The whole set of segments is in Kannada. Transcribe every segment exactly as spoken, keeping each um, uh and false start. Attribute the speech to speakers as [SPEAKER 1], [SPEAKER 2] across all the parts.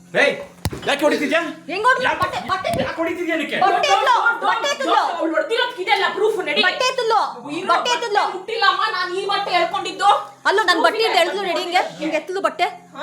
[SPEAKER 1] ಏಯ್ ಯಾಕೆ ಹೊಡಿತಿದ್ಯಾ?
[SPEAKER 2] ಹೆಂಗ್ ಹೊಡ್ದ್ಲು? ಬಟ್ಟೆ ಬಟ್ಟೆ
[SPEAKER 1] ಯಾಕೆ ಹೊಡಿತಿದ್ಯಾ ನಿಕ್ಕೆ?
[SPEAKER 2] ಬಟ್ಟೆ ಎತ್ತಲು, ಬಟ್ಟೆ ಎತ್ತಲು.
[SPEAKER 3] ಅವಳು ಹೊಡೆದಿರೋದಕ್ಕೆ ಇದೆಲ್ಲ ಪ್ರೂಫ್ ನಡಿ.
[SPEAKER 2] ಬಟ್ಟೆ ಎತ್ತಲು, ಬಟ್ಟೆ ಎತ್ತಲು.
[SPEAKER 3] ಮುಟ್ಟಿಲ್ಲಮ್ಮ, ನಾನು ಈ ಬಟ್ಟೆ ಹೇಳ್ಕೊಂಡಿದ್ದು.
[SPEAKER 2] ಅಲ್ಲೋ ನನ್ನ ಬಟ್ಟೆ ಹಿಡ್ದು ಎಳ್ದು ರೆಡಿ ಹಿಂಗೆ ಹಿಂಗೆ ಎತ್ತಲು ಬಟ್ಟೆ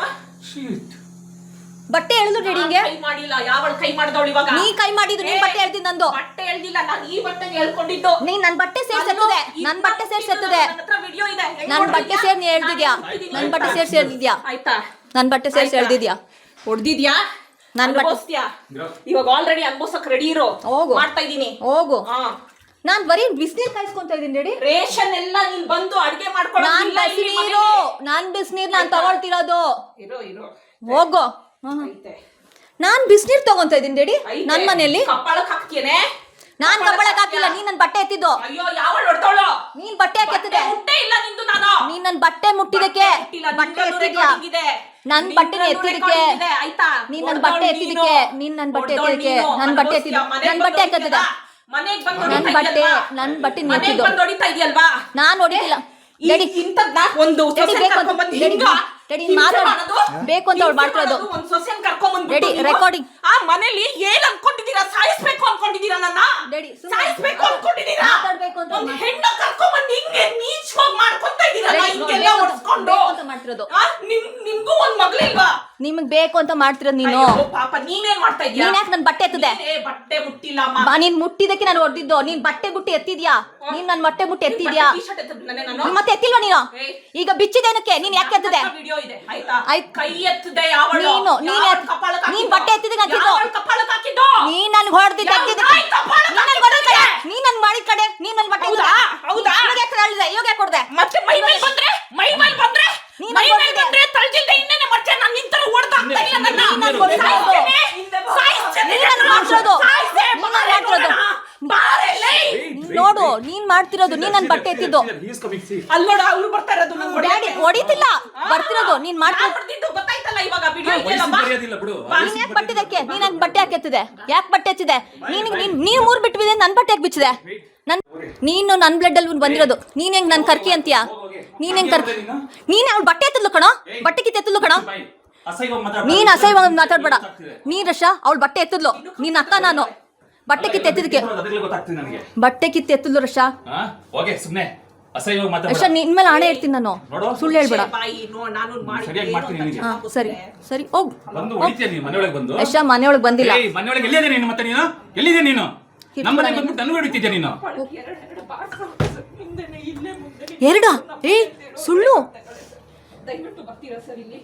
[SPEAKER 1] Shit.
[SPEAKER 2] ಬಟ್ಟೆ ಎಳ್ದು ರೆಡಿ ಹಿಂಗೆ.
[SPEAKER 3] ಕೈ ಮಾಡಿಲ್ಲ, ಯಾವಳು ಕೈ ಮಾಡ್ದವಳು ಇವಾಗ?
[SPEAKER 2] ನೀ ಕೈ ಮಾಡಿದ್ದು ನೀನ್ ಬಟ್ಟೆ ಎಳ್ದಿ ನಂದು.
[SPEAKER 3] ಬಟ್ಟೆ ಎಳ್ದಿಲ್ಲ, ನಾನು ಈ ಬಟ್ಟೆ ಹೇಳ್ಕೊಂಡಿದ್ದು.
[SPEAKER 2] ನೀನ್ ನನ್ ಬಟ್ಟೆ ಸೇರ್ಸಿ ಎತ್ತದೆ, ನನ್ ಬಟ್ಟೆ ಸೇರ್ಸಿ ಎತ್ತದೆ.
[SPEAKER 3] ನನ್ನ ಹತ್ರ ವಿಡಿಯೋ ಇದೆ.
[SPEAKER 2] ನನ್ ಬಟ್ಟೆ ಸೇರ್ ನೀ ಎಳ್ದಿದ್ಯಾ, ನನ್ ಬಟ್ಟೆ ಸೇರ್ಸಿ ಎಳ್ದಿದ್ಯಾ,
[SPEAKER 3] ಆಯ್ತಾ?
[SPEAKER 2] ನನ್ ಬಟ್ಟೆ ಸೇರ್ಸಿ ಎಳ್ದಿದ್ಯಾ,
[SPEAKER 3] ಹೊಡ್ದಿದ್ಯಾ?
[SPEAKER 2] ನನ್ ಬಟ್ಟೆ
[SPEAKER 3] ಅನುಭವಿಸ್ತೀಯಾ? ಇವಾಗ ಆಲ್ರೆಡಿ ಅನ್ಭವಿಸಕ್ ರೆಡಿ ಇರೋ.
[SPEAKER 2] ಹೋಗು.
[SPEAKER 3] ಮಾಡ್ತಾ ಇದೀನಿ.
[SPEAKER 2] ಹೋಗು.
[SPEAKER 3] ಹಾ.
[SPEAKER 2] ನಾನ್ ಬರೀ ಬಿಸಿನೀರ್ ಕಾಯಿಸ್ಕೊಂತ ಇದೀನಿ ರೆಡಿ.
[SPEAKER 3] ರೇಷನ್ ಎಲ್ಲ ನೀನ್ ಬಂದು ಅಡಿಗೆ ಮಾಡ್ಕೊಳ್ಳೋ.
[SPEAKER 2] ನಾನ್ ಬಿಸಿನೀರು, ನಾನ್ ಬಿಸಿನೀರ್ ನಾನ್ ತಗೊಳ್ತಿರೋದು.
[SPEAKER 3] ಇರೋ ಇರೋ.
[SPEAKER 2] ಹೋಗು.
[SPEAKER 3] ಐತೆ.
[SPEAKER 2] ನಾನ್ ಬಿಸಿನೀರ್ ತಗೊಂತ ಇದೀನಿ ರೆಡಿ
[SPEAKER 3] ಐತೆ.
[SPEAKER 2] ನನ್ ಮನೆಯಲ್ಲಿ.
[SPEAKER 3] ಕಪ್ಪಳಕ್ ಹಾಕ್ತೇನೆ.
[SPEAKER 2] ನಾನ್ ಕಬ್ಬಳಕ್ ಹಾಕಿಲ್ಲ, ನೀನ್ ನನ್ ಬಟ್ಟೆ ಎತ್ತಿದ್ದು.
[SPEAKER 3] ಅಯ್ಯೋ, ಯಾವಳು ಹೊಡ್ತಾವಳು?
[SPEAKER 2] ನೀನ್ ಬಟ್ಟೆ ಯಾಕೆ ಎತ್ತಿದೆ?
[SPEAKER 3] ಮುಟ್ಟೆ ಇಲ್ಲ ನಿಂದು. ನಾನು
[SPEAKER 2] ನೀನ್ ನನ್ ಬಟ್ಟೆ ಮುಟ್ಟಿದಕ್ಕೆ ಬಟ್ಟೆ ಎತ್ತಿದ್ಯಾ, ನನ್ ಬಟ್ಟೆ ಎತ್ತಿದಕ್ಕೆ.
[SPEAKER 3] ಆಯ್ತಾ?
[SPEAKER 2] ನೀನ್ ನನ್ ಬಟ್ಟೆ ಎತ್ತಿದಕ್ಕೆ, ನೀನ್ ನನ್ ಬಟ್ಟೆ ಎತ್ತಿದಕ್ಕೆ, ನನ್ ಬಟ್ಟೆ ಎತ್ತಿದ, ನನ್ ಬಟ್ಟೆ ಹಾಕತ್ತಿದ,
[SPEAKER 3] ಮನೆಗ್ ಬಂದು
[SPEAKER 2] ನನ್ ಬಟ್ಟೆ ನನ್ ಬಟ್ಟೆ ಎತ್ತಿದ್ದು.
[SPEAKER 3] ಬಂದು ಹೊಡಿತಾ ಇದೆಯಲ್ವಾ?
[SPEAKER 2] ನಾನ್ ಹೊಡಿತಿಲ್ಲ ರೆಡಿ.
[SPEAKER 3] ಇಂಥದ್ನ ಒಂದು
[SPEAKER 2] ರೆಡಿ
[SPEAKER 3] ಸೊಸೆನ್
[SPEAKER 2] ಬೇಕು ಅಂತ
[SPEAKER 3] ಕರ್ಕೊಂಡ್ಬಂದು
[SPEAKER 2] ರೆಡಿ
[SPEAKER 3] ಹಿಂಗ
[SPEAKER 2] ರೆಡಿ
[SPEAKER 3] ಹಿಂಸೆ
[SPEAKER 2] ಮಾತಾಡು.
[SPEAKER 3] ಮಾಡೋದು?
[SPEAKER 2] ಬೇಕು ಅಂತ ಅವ್ಳು ಮಾಡ್ತಿರೋದು.
[SPEAKER 3] ಒಂದು ಸೊಸೆನ್ ಕರ್ಕೊಂಡ್ಬಂದ್ಬಿಟ್ಟು
[SPEAKER 2] ರೆಡಿ
[SPEAKER 3] ನೀವು
[SPEAKER 2] ರೆಕಾರ್ಡಿಂಗ್.
[SPEAKER 3] ಆ ಮನೇಲಿ ಏನ್ ಅನ್ಕೊಂಡಿದೀರಾ? ಸಾಯಿಸ್ಬೇಕು ಅನ್ಕೊಂಡಿದೀರಾ ನನ್ನ?
[SPEAKER 2] ರೆಡಿ
[SPEAKER 3] ಸಾಯಿಸ್ಬೇಕು ಅನ್ಕೊಂಡಿದೀರಾ?
[SPEAKER 2] ಮಾತಾಡ್ಬೇಕು ಅಂತ
[SPEAKER 3] ಒಂದು ಹೆಣ್ಣು ಕರ್ಕೊಂಡ್ಬಂದು ಹಿಂಗೆ ನೀಚವಾಗಿ ಮಾಡ್ಕೊಂತ ಇದೀರಲ್ಲ, ಹಿಂಗೆಲ್ಲ ಹೊಡ್ಸ್ಕೊಂಡು.
[SPEAKER 2] ಅಂತ ಮಾಡ್ತಿರೋದು.
[SPEAKER 3] ಆ, ನಿಮ್ ನಿಮ್ಗೂ ಒಂದ್ ಮಗಳಿಲ್ವಾ?
[SPEAKER 2] ನಿಮಗ್ ಬೇಕು ಅಂತ ಮಾಡ್ತಿರೋದು ನೀನು.
[SPEAKER 3] ಅಯ್ಯೋ ಪಾಪ, ನೀನೇನ್ ಮಾಡ್ತಾ ಇದೀಯ?
[SPEAKER 2] ನೀನ್ ಯಾಕೆ ನನ್ ಬಟ್ಟೆ ಎತ್ತದೆ?
[SPEAKER 3] ನೀನೇ ಬಟ್ಟೆ ಮುಟ್ಟಿಲ್ಲ ಅಮ್ಮ.
[SPEAKER 2] ಬಾ, ನೀನ್ ಮುಟ್ಟಿದಕ್ಕೆ ನಾನು ಹೊಡೆದಿದ್ದು. ನೀನ್ ಬಟ್ಟೆ ಬುಟ್ಟಿ ಎತ್ತಿದ್ಯಾ, ನೀನ್ ನನ್ ಬಟ್ಟೆ ಬುಟ್ಟಿ ಎತ್ತಿದ್ಯಾ,
[SPEAKER 3] ಟೀ-ಶರ್ಟ್ ಎತ್ತಿದ್ನನೆ ನಾನು.
[SPEAKER 2] ಮತ್ತೆ ಎತ್ತಿಲ್ವಾ ನೀನು?
[SPEAKER 3] ಏಯ್.
[SPEAKER 2] ಈಗ ಬಿಚ್ಚಿದೇನಕ್ಕೆ? ನೀನ್ ಯಾಕೆ ಎತ್ತದೆ?
[SPEAKER 3] ವಿಡಿಯೋ ಇದೆ ಆಯ್ತಾ?
[SPEAKER 2] ಆಯ್ತ್.
[SPEAKER 3] ಕೈ ಎತ್ತದೆ ಯಾವಳು?
[SPEAKER 2] ನೀನು ನೀನ್
[SPEAKER 3] ಯಾವಳು
[SPEAKER 2] ಎತ್-
[SPEAKER 3] ಕಪಾಳಕ್ಕೆ
[SPEAKER 2] ನೀನ್
[SPEAKER 3] ಹಾಕಿದ್ದು?
[SPEAKER 2] ಬಟ್ಟೆ ಎತ್ತಿದ್ದಕ್ಕೆ ಹಾಕಿದ್ದು.
[SPEAKER 3] ಯಾವಳು ಕಪಾಳಕ್ಕೆ ಹಾಕಿದ್ದು?
[SPEAKER 2] ನೀನ್ ನನ್ ಹೊಡೆದಿದ್ದ
[SPEAKER 3] ಯಾವ ನಾಯಿ ಕಪಾಳಕ್ಕೆ
[SPEAKER 2] ನೀನ್ ನನ್ ಹೊಡೆದ ಕಡೆ,
[SPEAKER 3] ಹಾಕಿದ್ದು?
[SPEAKER 2] ನೀನ್ ನನ್ ಮಾಡಿದ ಕಡೆ, ನೀನ್ ನನ್ ಬಟ್ಟೆ
[SPEAKER 3] ಹೌದಾ? ಹೌದಾ?
[SPEAKER 2] ಇವಾಗ ಯಾಕೆ ಹೇಳಿದೆ? ಇವಾಗ ಯಾಕೆ ಕೊಡ್ದೆ?
[SPEAKER 3] ಮತ್ತೆ ಮೈ ಮೇಲೆ ಬಂದ್ರೆ ಮೈ ಮೇಲೆ ಬಂದ್ರೆ
[SPEAKER 2] ನೀನ್
[SPEAKER 3] ಮೈ ಮೇಲೆ
[SPEAKER 2] ಹೊಡ್ದಿದ್ದೆ.
[SPEAKER 3] ಬಂದ್ರೆ ತಳ್ಜಿಲ್ದೆ ಇನ್ನೇನೆ ಮಾಡ್ತೇನೆ. ನಾನು ನಿಂತರ ಹೊಡೆದಾಗ್ತಾ ಇಲ್ಲ ನನ್ನ.
[SPEAKER 2] ನೀನ್ ನನ್ ಹೊಡ್ದಿದ್ದು.
[SPEAKER 3] ಸಾಯಿಸ್ತೇನೆ.
[SPEAKER 2] ನೀನ್ ನನ್ ಮಾಡ್ತಿರೋದು.
[SPEAKER 3] ಸಾಯಿಸ್ತೇ.
[SPEAKER 2] ನೀನ್ ನನ್ ಮಾಡ್ತಿರೋದು.
[SPEAKER 3] ಬಾರೆ ಲೇ.
[SPEAKER 2] ನೀನ್ ನೋಡು, ನೀನ್ ಮಾಡ್ತಿರೋದು. ನೀನ್ ನನ್ ಬಟ್ಟೆ ಎತ್ತಿದ್ದು.
[SPEAKER 1] He is coming, see.
[SPEAKER 3] ಅಲ್ಲೋಡ ಅವ್ರು ಬರ್ತಾ ಇರೋದು ನಂಗೆ
[SPEAKER 2] ಡ್ಯಾಡಿ ಹೊಡಿತಿಲ್ಲ, ಬರ್ತಿರೋದು. ನೀನ್ ಮಾಡ್ತಿರೋದು.
[SPEAKER 3] ಹೊಡೆದಿದ್ದು ಗೊತ್ತಾಯ್ತಲ್ಲ ಇವಾಗ ವಿಡಿಯೋ
[SPEAKER 1] ವಯಸ್ಸು
[SPEAKER 3] ಇದೆಯಲ್ಲ ಬಾ.
[SPEAKER 1] ಮರ್ಯಾದಿಲ್ಲ ಬಿಡು.
[SPEAKER 2] ನೀನ್ ಯಾಕೆ ಬಟ್ಟೆ ಇದಕ್ಕೆ? ನೀನ್ ಯಾಕೆ ಬಟ್ಟೆ ಯಾಕೆ ಎತ್ತಿದೆ? ಯಾಕೆ ಬಟ್ಟೆ ಎತ್ತಿದೆ? ನೀನ್ ನೀನ್ ನೀವ್ ಮೂರ್ ಬಿಟ್ಟು ಬಿದ್ದೆ, ನನ್ ಬಟ್ಟೆ ಯಾಕೆ ಬಿಚ್ಚಿದೆ? ನನ್ ನೀನು ನನ್ ಬ್ಲಡ್ ಅಲ್ಲಿ ಬಂದಿರೋದು. ನೀನ್ ಹೆಂಗ್ ನನ್ ಕರ್ಕಿ ಅಂತೀಯಾ? ನೀನ್ ಹೆಂಗ್ ಕರ್ಕಿ? ನೀನ್ ಅವ್ಳ ಬಟ್ಟೆ ಎತ್ತದ್ಲು ಕಣೋ, ಬಟ್ಟೆ ಕಿತ್ತು ಎತ್ತದ್ಲು ಕಣೋ.
[SPEAKER 1] ಅಸಹ್ಯವಾಗಿ ಮಾತಾಡ್ಬೇಡ.
[SPEAKER 2] ನೀನ್ ಅಸಹ್ಯವಾಗಿ ಮಾತಾಡ್ಬೇಡ. ನೀನ್ ರಶ ಅವಳು ಬಟ್ಟೆ ಎತ್ತದ್ಲು, ನೀನ್ ಅಕ್ಕ ನಾನು. ಬಟ್ಟೆ ಕಿತ್ತು ಎತ್ತಿದಕ್ಕೆ
[SPEAKER 1] ಅದ್ರಲ್ಲಿ ಗೊತ್ತಾಗ್ತದೆ ನನಗೆ.
[SPEAKER 2] ಬಟ್ಟೆ ಕಿತ್ತು ಎತ್ತದ್ಲು ರಶ.
[SPEAKER 1] ಹಾ ಓಕೆ, ಸುಮ್ನೆ ಅಸಹ್ಯವಾಗಿ
[SPEAKER 2] ರಶ
[SPEAKER 1] ಮಾತಾಡ್ಬೇಡ.
[SPEAKER 2] ನಿನ್ ಮೇಲೆ ಆಣೆ ಇಡ್ತೀನಿ ನಾನು,
[SPEAKER 1] ನೋಡು.
[SPEAKER 2] ಸುಳ್ಳು ಹೇಳ್ಬೇಡ.
[SPEAKER 3] ಬಾಯಿ ನೋ, ನಾನು ಮಾಡಿ
[SPEAKER 1] ಸರಿಯಾಗಿ ಮಾಡ್ತೀನಿ ನಿನಗೆ.
[SPEAKER 2] ಹಾ ಸರಿ ಸರಿ ಹೋಗ್.
[SPEAKER 1] ಬಂದು ಹೊಡಿತೀಯ ನೀನು ಮನೆಯೊಳಗೆ ಬಂದು.
[SPEAKER 2] ಯಶ ಮನೆಯೊಳಗೆ ಬಂದಿಲ್ಲ.
[SPEAKER 1] ಏಯ್, ಮನೆಯೊಳಗೆ ಎಲ್ಲಿದೆ ನೀನು? ಮತ್ತೆ ನೀನು ಎಲ್ಲಿದೆ ನೀನು? ನಮ್ಮ ಮನೆಗೆ ಬಂದ್ಬಿಟ್ಟು ನನಗೆ ಹೊಡಿತಿದ್ಯಾ ನೀನು?
[SPEAKER 2] ಎರಡ ಏ ಸುಳ್ಳು.
[SPEAKER 3] ದಯವಿಟ್ಟು ಬರ್ತೀರಾ ಸರ್ ಇಲ್ಲಿ?